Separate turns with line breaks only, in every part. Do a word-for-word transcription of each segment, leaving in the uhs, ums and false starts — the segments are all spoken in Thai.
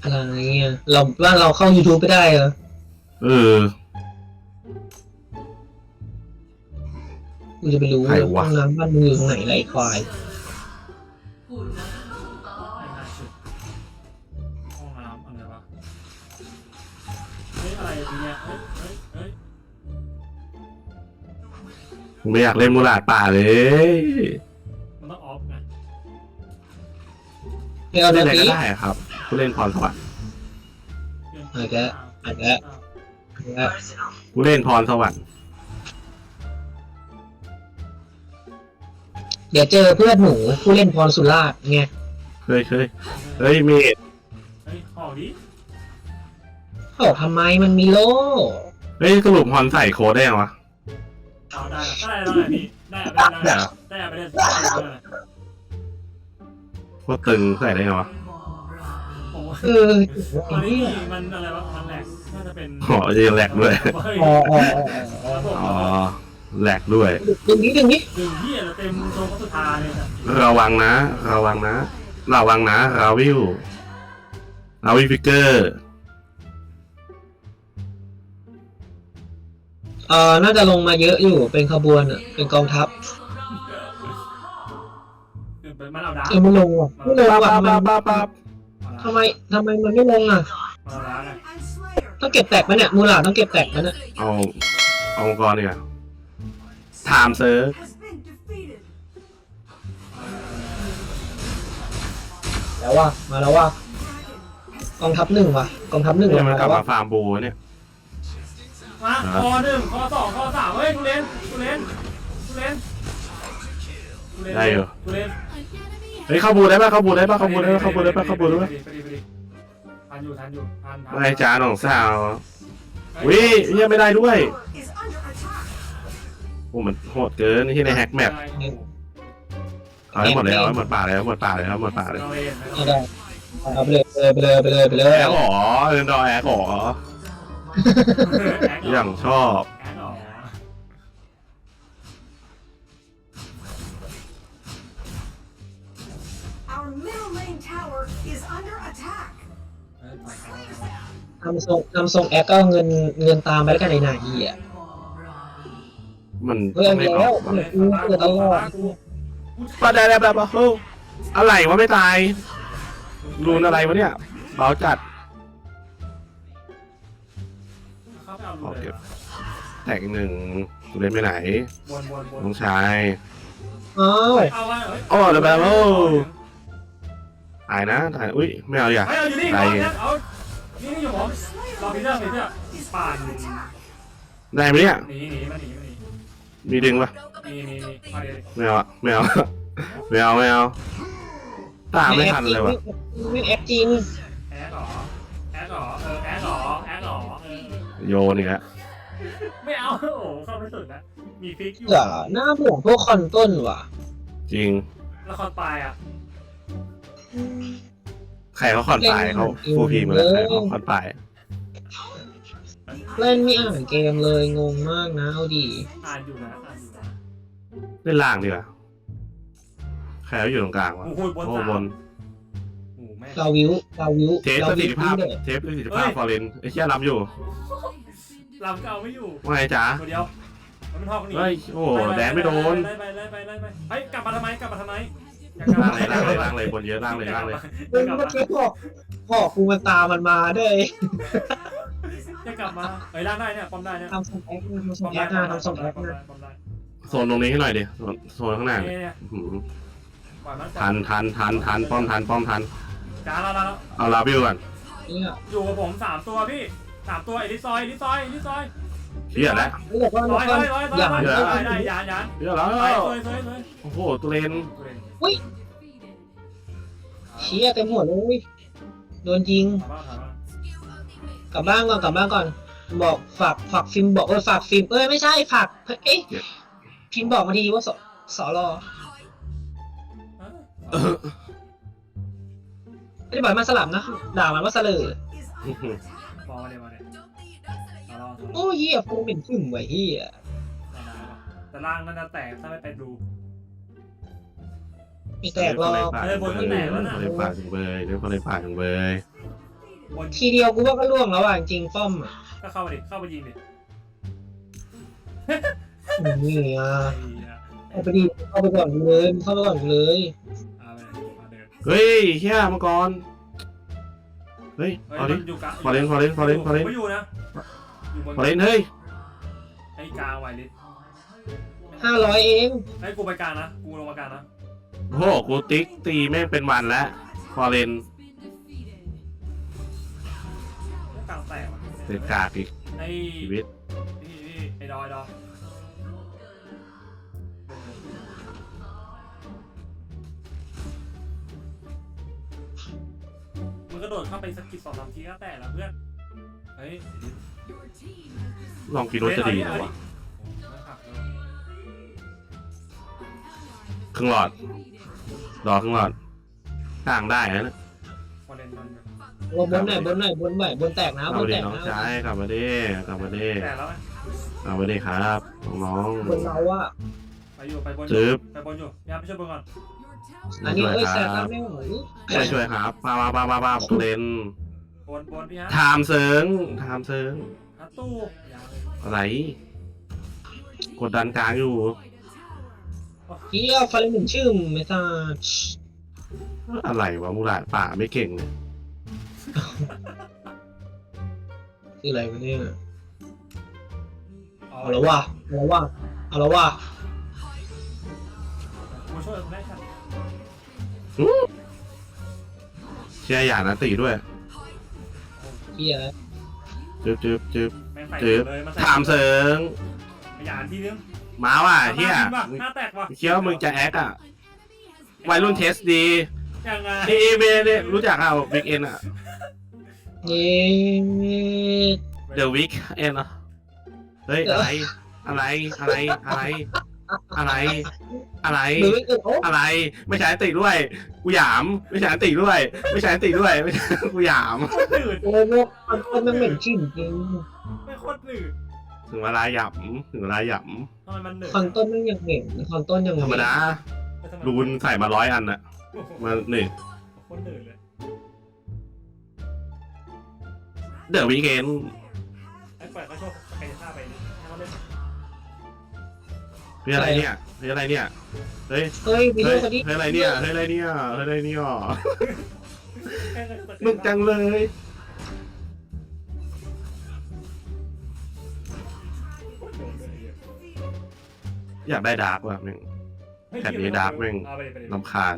อะไรเงี้ยเราว่าเราเข้า YouTube ไปได้เหรอ
เออ
กูจะไปรู้เลยห้องน้ำบ้านมึงอยู่ตรงไหนไรควาย
ห้องน้ำอะไรวะเฮ้ยอะไรเนี่ยเฮ้ยเฮ้ยเฮ้ย
ไม่อยากเล่นมูลาดป่าเลย
มันต้องออฟไง
เล่นอะไร
ก็ได้ครับผู้เล่นพรสวรรค์
อาจจะอาจจะ
ผู้เล่นพรสวรรค์
เดี๋ยวเจอเพื่อนหนูผู้เล่นพรสุราษฎร์ไง
เคยเคยเฮ้ยเมด
เฮ้ยขอดิ
เขาทำไมมันมีโล่
เฮ้ยสรุปพรใส่โค้ดได้ยังวะ
เอาได้ได้ได้พี่ได้ได้ได้ได้ไปได้ได้
โคตรตึงใส่ได้ยังวะ
เออ
อันนี้มันอะไรวะมันแหลกน่าจะเป็น
อ๋อจะแหลกด้วย
อ๋ออ๋อ
อ๋อแหลกด้วย
ดึงนี้ดึงนี้
ดึงที่เราเต็มโซนสุดท้ายเลย
ระวังนะระวังนะระวังนะราวิวราวิวฟิกเกอร์
เออน่าจะลงมาเยอะอยู่เป็นขบวนอ่ะเป็นกองทัพ
มันเอาดา
เออไม่ลงอ่ะไม่ลงอ่ะมันทำไมทำไมมันไม่ลงอ่ะต้องเก็บแตกไหมเนี่ยมูลาต้องเก็บแตกไหมเนี่ย
เอาเอาองค์กรดีกว่าถามเซิร์ฟ
แล้วว่ามาแล้วว่ากองทัพหนึ่งว่ะกองทัพหนึ่ง
มันกลับมาฟาร์มบูเนี่ย
มาคอหนึ่งคอสองคอสามเฮ้ยกูเล่นกูเล่นกูเล่น
ได้อยู่
กูเล่น
เฮ้ยเข้าบูได้ป่ะเข้าบูได้ป่ะเข้าบูได้ป่ะเข้าบูได้ป่ะเข้าบูได้ป่ะ
ทันอยู่ทันอยู่ทันทัน
ไม่จ้าหนองสาววิยังไม่ได้ด้วยโอ้มันโหดเกินที่ในแฮกแมปเอาให้หมดเลยเอาให้หมดป่าเลยเอาหมดป่าเลยเอาหมดป่าเลย
เอาได้เอาไปเลยไปเลยไปเลยไปเลย
แอคหรอเดินดอยแอคหรออย่างชอบ
ทำทรงทำทรงแอคก็เงินเงินตามไปแล้วกันในนาทีอ่ะ
มัน
ไม่แล้วมันเกิดตลอด
ปะได้แล้วแบบเฮ้ยอะไรวะไม่ตายรูนอะไรวะเนี่ยเบาจัดโอเคแตกหนึ่งเล่นไปไหนน้องชาย
อ้าว
อ๋อแล้วแบบโอ้ตายนะตายอุ้ยไม่เอาอย่าตาย
นี่นี่อยู่ผมรอพีเตอร์พีเตอร์ป่าน
ได้ไหมเนี่ย
หนีหนีมาหนีมาหนี
มีดึงปะ
มีมี
ไม่เอาไม่เอาไม่เอาไม่เอาตามไม่ทันเลยวะ
ไม่แอคจริง
แอคหรอแอคหรอเออแอคหรอแอคหรอ
โยนอีกแล้ว
ไม่เอาโอ้เข้าไม่สุดนะมีฟิกอยู่
อย่าหน้าห่วงพวกคอนต้นว่ะ
จริง
แล้วคอนปลายอ่ะ
ใครเขาคอนปลายเขาฟูพีมาเลยเขาคอนปลาย
เล่นไม่อ่านเกมเลยงงมากนะเอาดี
อ่านอยู่นะอ่านอยู่นะ
เล่นล่างดีกว่าใครเขาอยู่ตรงกลางวะ
โอ้
บน
เราวิวเราวิว
เทสประสิทธิภาพเทสประสิทธิภาพฟอร์เรนไอ้เชี่ยลำอยู่
ลำเก่าไม่อยู่
ว่าไงจ๊ะ
เดียวมันทอกนี่
เฮ้ยโอ้แดนไม่โดน
ไล่ไปไล่ไปไล่ไปเฮ้ยกลับมาทำไมกลับมาทำไม
ล่างเลยล่างเลยล่างเลยบนเยอะล่างเลยล่างเลย
เมื่อกี้พ่อพ่อกูมันตามมันมาด้วย
จะกลับมาเฮ้ยล่างได้เนี่ยป้อมได้เนี่ย
ทำส่งแอคทำส่งแอคนะทำส่งแอคนะ
โซนตรงนี้ให้หน่อยดิโซนข้างหน้าทันทันทันทันป้อมทันป้อมทัน
จ้าเราเรา
เอาลาบิวก่อน
อยู่กับผมสามตัวพี่สามตัวไอ้ดิซอยดิซอยดิซอย
เฮียแล้ว
ร้อยร้อยร้อยร้อยได้ได้ยานยาน
เฮียแล้วโอ้โหตัวเลน
อุ้ยเชี่ยเต็มหัวเลยโดนยิงกลับบ้านก่อนกลับบ้านก่อนบอกฝากฝากฟิล์มบอกเออฝากฟิล์มเอ้ยไม่ใช่ฝากเอ๊ะพิมพ์บอกมาทีว่าสสรอไม่ได้บอกมันสลับนะด่ามันว่าเสลอโอ้เหี้ยฟูเป็นขึ้นไว้เหี้ย
แต่ล่างนั่นจะแตกถ้าไม่ไปดู
มีแตกรอ
เลยบนก็แตกแล้วนะ
เลยปากถึงเบยเลยคนเลยปากถึงเบย
บน
ทีเดียวกูว่าก็ล่วงแล้วอ่ะจริงๆป้อมอ่ะ
ก็เข้ามาดิเข้ามายิงดิ
นี่อ่ะ
ไอ้เหี้ย
เอาไปดิเข้าไปก่อนเลยเข้าไปก่อนเลย
เอาไปมาเดิน
เฮ้ยเฮียมังกรเฮ้ย
เฮ้ย
เอาดิ
มันอยู่กลาง
พอเล่นพอเล่นพอเล่นพอเล่น
ไม่อยู่นะอยู่บน
พอเล่นเฮ้ย
ไอ้กลางไวลิส
ห้าร้อยเอง
ไอ้กูไปกลางนะกูลงมากลางนะ
โอ้โหกูติ๊กตีแม่งเป็นวันแล้วพอเล่น
กลางแตกว่ะ
เสร็จกากอีก
ไอ้
ชีวิต
นี่นี่ไอ้ดอยดอยมึงก็โดดเข้าไปสกิดสองสามทีก็แตกแล้วเพื่อนเฮ้ย
ลองกินรสจะดีนะวะครึ่งหลอดรอครึ่งหลอดต่างได้นะ
พอเล่นมัน
ลงบนหน่อยบนหน่อยบนไหวบนแตกนะ
กลับบ
น
มา
แต
ดิ
ก
น้อง
นะ
ชายกลับมาดิกลับมาดิ
แตกแล้วไหม
กลับมาดิครับน้อง
บนเราอ่ะ
ไปอยู่ไปบน
ๆจึ๊บ
ไปบนอยู่ยามไปช่วยบนก่อน
อันนี้เอ้ยแซกไม่ไหว
ช่วยช่วยครับมามามามามาเล่น
บนบนพี่ฮะ
ไทม์เซิงไทม์เซิง
ฮัตตู้ยาว
อะไรกดดันกลางอยู่
เฮียฟาเลนหนึ่งชื่อไม่ทราบ
อะไรวะมูหลาดป่าไม่เก่งเลย
คืออะไรวะเนี่ยเอาแล้วว่ะเอาแล้วว่ะเอาแล้วว่ะ
มาช่วยแม่ฉัน
เชียร์หยาดนะตีด้วย
เฮีย
จึ๊บจึ๊บจึ๊บ
แม่งใส่
จึ๊บ
เลยมาใส่
ไทม์เซิง
ขยันทีนึง
มาว่ะเฮีย
หน้าแตกว่ะ
เคี้ยวมึงจะแอคอะวัยรุ่นเทสดี
ยังไง
นี่เมเนี่ยรู้จักเอาบิ๊กเอ็นอะ
เย้
เดอะวิกเอ็นอะเฮ้ยอะไรอะไรอะไรอะไรอะไรอะไร
หรือไม่เกินโอ้
อะไร ไม่ใช่ติด้วย กูหยาม ไม่ใช่ติด้วย ไม่ใช่ติด้วยไม่ใช่กูหยาม
โคตรหนืด
โหมันคนมันเหม็นชื่นจริง
ไม่โคตรหนืด
ถึงเวลาหยำถึงเวลาหย
ทำไมมันหนืด
คอนต้นมันยังเหม็นคอนต้นยัง
ำธรรมดารูนใส่มาร้อยอันอะมาหนึ่ง
โคตรหนืดเลย
เดอะวิกเอ็น
ไอ้ปล่อยเขาโชว์สเปซท่าไปนี่ให้เขาเล่น
เฮ้ยอะไรเนี่ยเฮ้ยอะไรเนี่ยเฮ้ย
เฮ้ยวิดี
เฮ้
โอย คนนี้
เฮ้ยอะไรเนี่ยเฮ้ยอะไรเนี่ยเฮ้ยอะไรเนี่ย
แค่นั้นก็สเปซ
นุกจังเลย อยากได้ดาร์กว่ะแม่ง แบบนี้ดาร์กแม่ง
เอาไปดิไปดิ
ลำคาญ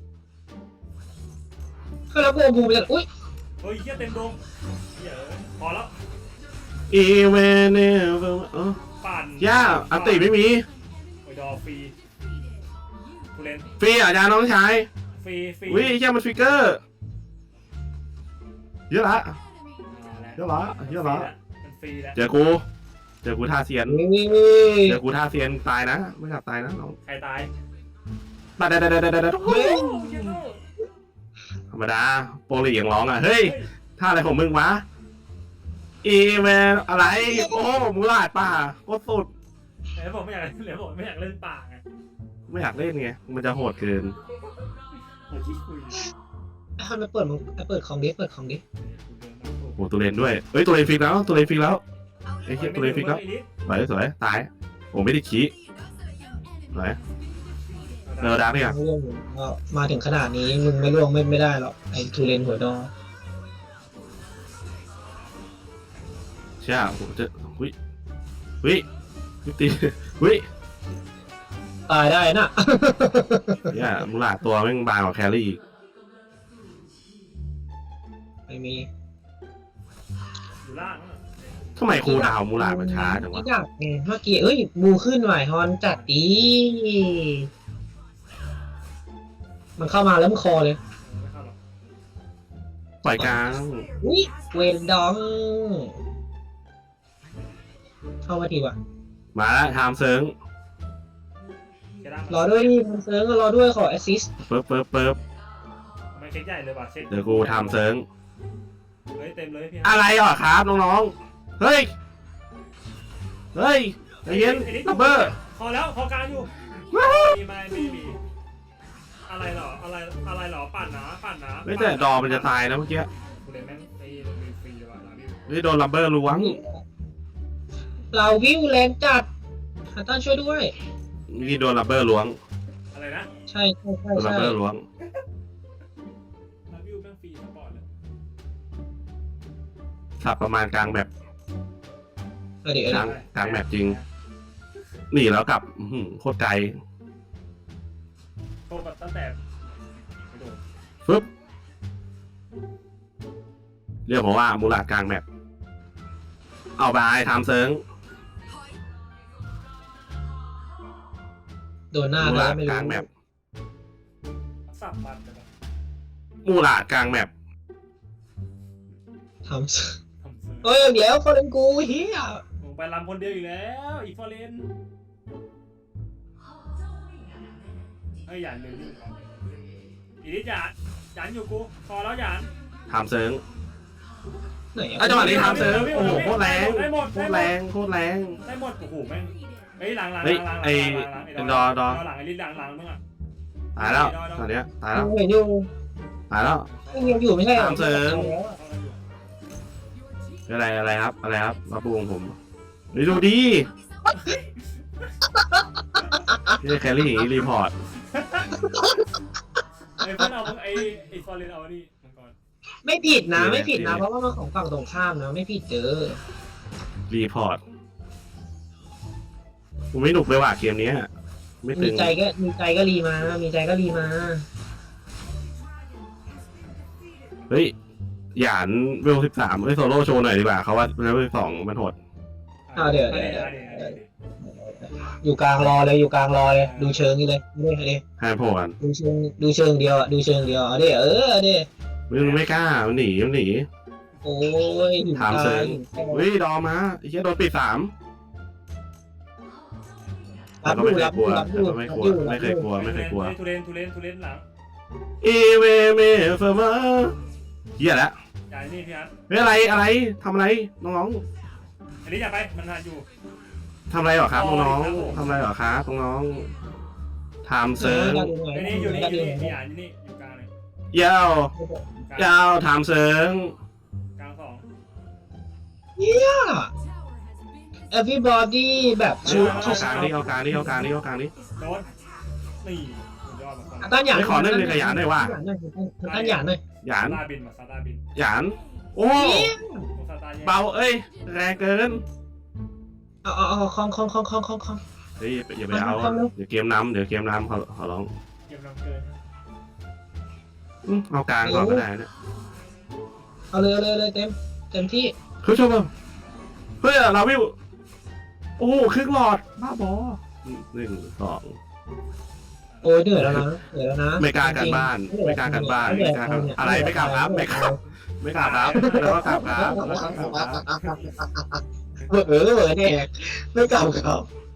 ก็แล้วกูเอาบูไปจากอุ้ย
เฮ้ยเหี้ยเต็มดงเหี้ยพอแล้ว
อีเวนเนเออ
ปั่น
ย่าอันติไม่มี
โอ้ยดอฟรีกูเล่น
ฟรีอ่ะจ้าน้องชาย
ฟรีฟรี
วิแค่มันฟิกเกอร์เยอะละ
เอาละ
เยอะละเยอะละ
มันฟรีแล้ว
เจอกูเจอกูท่าเซียน
นี่
เจอกูท่าเซียนตายนะไม่อยากตายนะน้อง
ใครตาย
ตายได้ได้ได้ได้ได้
โอ้ยเหี้ยโง่
ธรรมดาโปรลียังร้องอ่ะเฮ้ยท่าอะไรของมึงวะอีเวนอะไรโอ้มูลาดป่าโคตรสุด
เดี๋ยวผมไม่อยากเล่นเดี๋ยวผมไม่อยากเล่นป่าไง
ไม่อยากเล่นไงมันจะโหดเกิน
ผมขี้คุย
ให้มันเปิดมึงเปิดของดิเปิดของดิ
โอ้ตัวเลนด้วยเฮ้ยตัวเลนฟิกแล้วตัวเลนฟิกแล้วไอ้เหี้ยตัวเลนฟิกแล้วสวยสวยตายโอ้ไม่ได้ขี้สวยเนอร์ดักเนี่ย
ไม่ร่วงก็มาถึงขนาดนี้มึงไม่ร่วงไม่ไม่ได้หรอกไอ้ทูเรนหัวดอ
ใช่ผมจะวิวิวิตีวิ
ตายได้น่ะ
เนี่ยมูลาดตัวแม่งบางกว่าแครี่อีก
ไม่มี
อยู่ล่างนั่นน่ะ
ทำไมครูดาวมูลาดมันช้าจังวะ
ไม่อยากไงเมื่อกี้เอ้ยบูขึ้นหน่อยฮอนจัดดีมันเข้ามาแล้วมันคอเลย
ไม่เข้าหรอก
ปล่อยกลาง
อุ้ยเวนดองเข้ามาทีว่ะ
มาแล้วไทม์เซิง
เช็คล่าง
รอด้วยดิมันเซิร์งก็รอด้วยขอแอสซิสต์
เปิ๊บเปิ๊บเปิ๊บ
ไม่เช็คใหญ่เลยว่ะเช็ค
เดี๋ยวกูไทม์เซิง
เฮ้ยเต็มเลยพี่
อะไรอ่ะครับน้องๆเฮ้ยเฮ้ยใจเย็นดับเบอร์
พอแล้วพอกลางอยู่มีไหมไม่มีอะไรหรออะไรอะไรหรอปั่นนะปั่นนะ
ไม่แต่ดอมันจะตายนะเมื่อกี้
รกูเล่นแม่งตีมีฟรีว่ะนะพี่
นี่โดนลัมเบอร์ล้วง
เราวิวแรงจัดฮัตตันช่วยด้วย
นี่โดนลัมเบอร์ล้วง
อะไรนะ
ใช่ใช่ใช่
โดนลัม
ใช่
เบอร์ล้วง
นาวิวแม่งฟรีสปอร์ตเลย
สับประมาณกลางแบบ
เอาดี๋ยว
ก
เดี๋
ลาง
ยว
กลางแบบจริงหนีแล้วกลับอื้อหือโคตรไกล
โตกับตั้งแต่ไม่โดน
ฟึบเรียกผมว่ามูลาดกลางแมปเอาไปทำเซิง
โดนหน้า
มู
เล
ลาย ด
ไม่
ก
รู้
ลางแมป
สับมันแต่แบบ
มูลาดกลางแมป
ทำ
ทำซื้อ
เฮ้ยเดี๋ยวเขาเล่นกูเฮีย
ลงไปลำคนเดียวอีกแล้วอีกฟอร์เรนเฮ้ยหยานลืมอยู่ครับอีนิดหยานหยานอยู่กูพอแล้วหยาน
ทำเซิง
ไหน
ไอ้จังหวะนี้ทำเซิง
ได้หมด
โอ้โหโคตรแรง
ได้หมด
โค
ได้
ตร
หม
แร
ด
งโคตรแรง
ได้หมดโอ้โหแม่งเฮ้ยหลังหลัง
เฮ้ย
หลังหลัง
ไอ้
หลังหลัง
เป็นดอดอ
หลังไอ้ลิ้นหลังหลังมึงอ่ะ
ตายแล้วตอนเนี้ยตายแล้ว
เห็นอยู่
ตายแล้ว
ยังอยู่ไม่ใช่หรอ
ตามเสริม อะไรอะไรครับ อะไรครับมาปูของผมนี่ดูดีนี่แคลรี่อย่างนี้รีพอร์ต
ไอ้เพื่อนเอาไอ้ไอ้ฟอร์เรนเอานี่มังกร
ไม่ผิดนะไม่ผิดนะเพราะว่ามันของฝั่งตรงข้ามนะไม่ผิดเจอ
รีพอร์ตกูไม่หนุกเลยว่ะเกมนี้ไม่ตึ
มี
ง
ใจก็มีใจก็รีมา มีใจก็รีมา
เฮ้ยหยานเวลสิบสามเฮ้ยโซโล่โชว์หน่อยดีกว่าเขาว่าเวลสิบสองมันโหด
เอาเดี๋ยวเดี๋ยวเดี๋ยว อยู่กลางรอเลยอยู่กลางรอเลยดูเชิงนี่เลยนี่เลย
ให้โผล่กัน
ดูเชิงดูเชิงเดียวอ่ะดูเชิงเดียวเอาดิเออเอาดิ
มันไม่กล้ามันหนีมันหนี
โอ้ยหิว
ถามเสริม
ตาย
เฮ้ยดอมมาไอ้เหี้ยโดนปิดสาม
รั
แต่
บ
ก็
อยู่
ไม่เค
รั
ย
บ
กลัว
รับ
แต่ก็ไม่กลัวไม่เคยกลัวไม่เคยกลัว
ทุเรนทุเรนทุเรนทุเรนหลัง
อีเวเมเฟอร์มาเหี้ยแล้ว
อย่านี่พี่ฮัท
เฮ้ยอะไรอะไรทำอะไรน้อง
อันนี้อย่าไปมันทานอยู่
ๆทำอะไรเหรอครับน้องๆทำอะไรเหรอครับน้องๆทำเซิร์ง
ไอ้นี่อยู่นี่อยู่นี่พี่ฮัทอยู่นี่อยู่กลางเลย
ยาวย
กลาง
ยาวทำเซิร์ง
กลางสอง
everybody แบบชุด
เอากลางนี่เอากลางนี่เอากลางนี่เอากลางนี่
โดนนี่สุดยอดมาก
ตั้นหยาด
ไม่ขอเล่นเลยกับหยาดหน่อยว่ะ
ตั้นหยาดหน่อย
หยาน
ซาตาบินมาซาตาบิน
หยานโอ้
ซาตาแย่
เบาเอ้ยแรงเกิน
เอาเอาเอาคองคองคองคองคองคอง
เฮ้ยอย่าไปเอาเดี๋ยวเกมน้ำเดี๋ยวเกมน้ำขอขอร้อง
เกมนำเกิน
อืมเอากลางก่อนก็ได้เนี่ย
เอาเลยเอาเลยเลยเต็มเต็มที่
คือชมเฮ้ยเราวิวโอ้โหครึ่งหลอดบ้าบอหนึ่งสอง
โอ้ยเหนื่อยแล้วนะเหนื่อยแล้วนะ
ไม่กล้ากันบ้านไม่กล้ากันบ้านไม่กล้ากันอะไรไม่กล้าครับไม่กล้าไม่กล้าครับแล้วก็กลับครับแล้วก็กลับครับ
เออเออเนี่ยไม่กลับครับ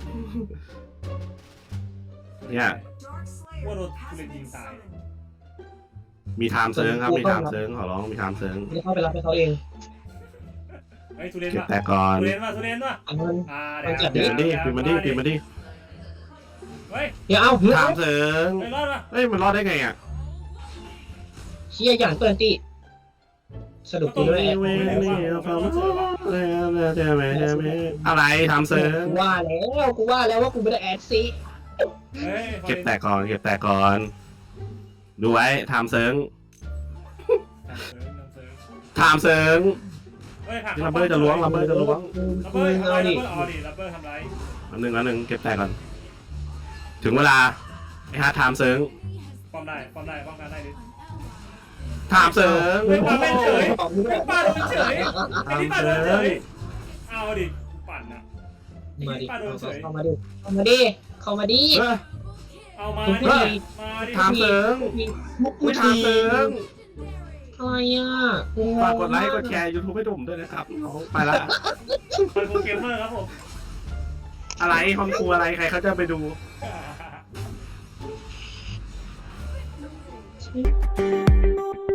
เนี่ย
ว่าโดนทุเรนยิงตาย
มีไทม์เซิร์งครับมีไทม์เซิร์งขอร้องมีไทม์เซิร์ง
ไม่เข้าไปรับให้เขาเอง
เฮ้ยทุเรน
เก็บ
ว่ะ
แต่ก่อน
ทุเรนว่ะทุเรนว่ะ
อันนั้น
อ่า
ปิดมันดิปิดมันดิปิดมันดิ
เฮ้ย
เดี๋ยวเอาเฮ้ย
ไทม์เซิร์ง
ไม่รอดว่ะ
เฮ้ยมันรอดได้ไงอ่ะ
เชี่ยอย่างเปิดตีสรุปตีด้วยแอป
อะไรไทม์เซิร์ง
กูว่าแล้วกูว่าแล้วว่ากูไม่ได้แอดซี
เฮ้ย
เก็บแต่ก่อนเก็บแต่ก่อน ดูไว้ไทม์เซิร์งไทม์เซิร์ง
เฮ้ย
ลับเบอร์จะล้วงลับเบอร์จะล้วง
ลับเบอร์ทำไรลับเบอร์เอาดิลับเบอร์ทำไร
อันหนึ่งอันหนึ่งเก็บแต่ก่อน ถึงเวลาไอ้ฮาไทม์เซิร์ง
ป้อมได้ป้อมได้ป้อมกันได้ดิ
ไทม์เซิร์ง
เฮ้ยป้าเป็นเฉยป้าโดนเฉยไอ้นี่ป้าโดนเฉยเอาดิปั่นนะ
มาดิเข้ามาดิเข้ามาดิเข้ามาดิ
เฮ้ย
เอามา
ทุก
ดิ
ที
มาดิ
ไทม์เซิร์ง
มุก
อุ้ยไทม์เซิร์ง
อะไรอ่ะ
ฝากกดไลค์กดแชร์ยูทูบให้ดุ่มด้วยนะครับน้องไปละ
เป็นโปรเกมเมอร์ครับผม
อะไรห้องครัวอะไรใครเขาจะไปดู
Thank you.